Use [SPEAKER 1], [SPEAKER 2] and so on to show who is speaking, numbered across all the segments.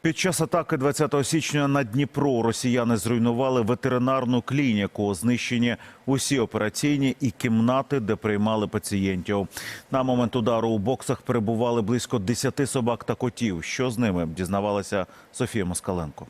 [SPEAKER 1] Під час атаки 20 січня на Дніпро росіяни зруйнували ветеринарну клініку. Знищені усі операційні і кімнати, де приймали пацієнтів. На момент удару у боксах перебували близько 10 собак та котів. Що з ними, дізнавалася Софія Москаленко.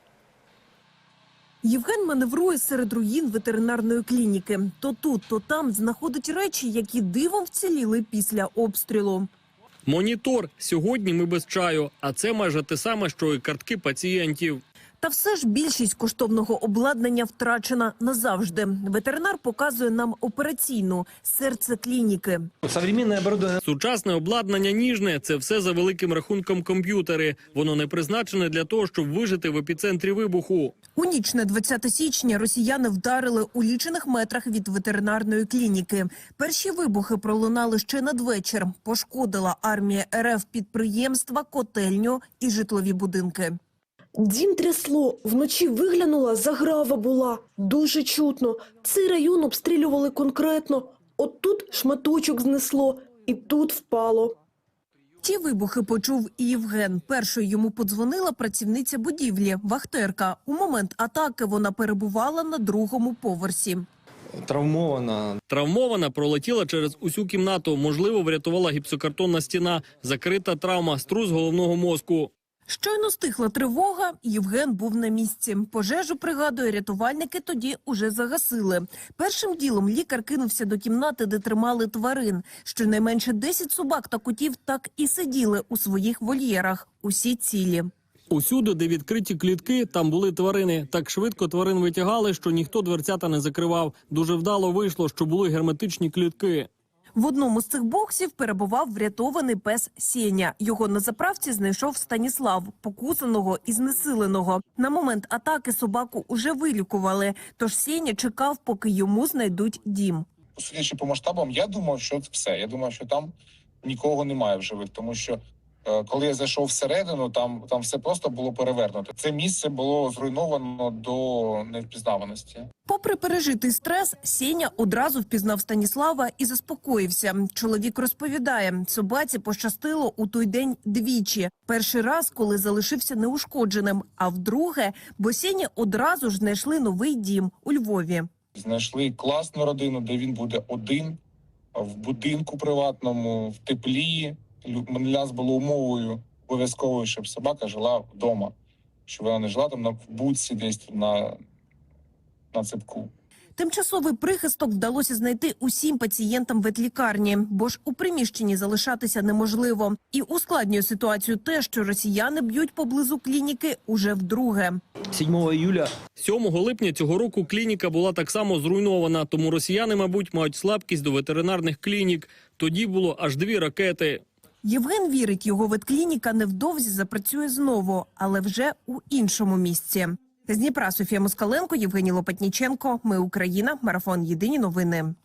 [SPEAKER 2] Євген маневрує серед руїн ветеринарної клініки. То тут, то там знаходить речі, які дивом вціліли після обстрілу.
[SPEAKER 3] Монітор. Сьогодні ми без чаю. А це майже те саме, що і картки пацієнтів.
[SPEAKER 2] Та все ж більшість коштовного обладнання втрачена назавжди. Ветеринар показує нам операційну – серце клініки.
[SPEAKER 3] Сучасне обладнання ніжне – це все за великим рахунком комп'ютери. Воно не призначене для того, щоб вижити в епіцентрі вибуху.
[SPEAKER 2] У ніч на 20 січня росіяни вдарили у лічених метрах від ветеринарної клініки. Перші вибухи пролунали ще надвечір. Пошкодила армія РФ підприємства, котельню і житлові будинки.
[SPEAKER 4] Дім трясло, вночі виглянула, заграва була. Дуже чутно. Цей район обстрілювали конкретно. От тут шматочок знесло, і тут впало.
[SPEAKER 2] Ті вибухи почув і Євген. Першою йому подзвонила працівниця будівлі, вахтерка. У момент атаки вона перебувала на другому поверсі.
[SPEAKER 3] Травмована пролетіла через усю кімнату. Можливо, врятувала гіпсокартонна стіна. Закрита травма, струс головного мозку.
[SPEAKER 2] Щойно стихла тривога, Євген був на місці. Пожежу, пригадує, рятувальники тоді уже загасили. Першим ділом лікар кинувся до кімнати, де тримали тварин. Щонайменше 10 собак та котів так і сиділи у своїх вольєрах. Усі цілі.
[SPEAKER 3] Усюди, де відкриті клітки, там були тварини. Так швидко тварин витягали, що ніхто дверцята не закривав. Дуже вдало вийшло, що були герметичні клітки.
[SPEAKER 2] В одному з цих боксів перебував врятований пес Сеня. Його на заправці знайшов Станіслав, покусаного і знесиленого. На момент атаки собаку уже вилікували, тож Сеня чекав, поки йому знайдуть дім.
[SPEAKER 5] Судячи по масштабам, я думав, що це все. Я думав, що там нікого немає в живих, тому що коли я зайшов всередину, там все просто було перевернуто. Це місце було зруйновано до невпізнаваності.
[SPEAKER 2] Попри пережитий стрес, Сеня одразу впізнав Станіслава і заспокоївся. Чоловік розповідає, собаці пощастило у той день двічі. Перший раз, коли залишився неушкодженим, а вдруге, бо Сені одразу ж знайшли новий дім у Львові.
[SPEAKER 5] Знайшли класну родину, де він буде один, в будинку приватному, в теплі. Для нас було умовою обов'язковою, щоб собака жила вдома, щоб вона не жила там в будці десь на цепку.
[SPEAKER 2] Тимчасовий прихисток вдалося знайти усім пацієнтам ветлікарні, бо ж у приміщенні залишатися неможливо. І ускладнює ситуацію те, що росіяни б'ють поблизу клініки уже вдруге.
[SPEAKER 3] 7 липня цього року клініка була так само зруйнована, тому росіяни, мабуть, мають слабкість до ветеринарних клінік. Тоді було аж 2 ракети.
[SPEAKER 2] Євген вірить, його ветклініка невдовзі запрацює знову, але вже у іншому місці. З Дніпра Софія Москаленко, Євгеній Лопатніченко. Ми Україна. Марафон. Єдині новини.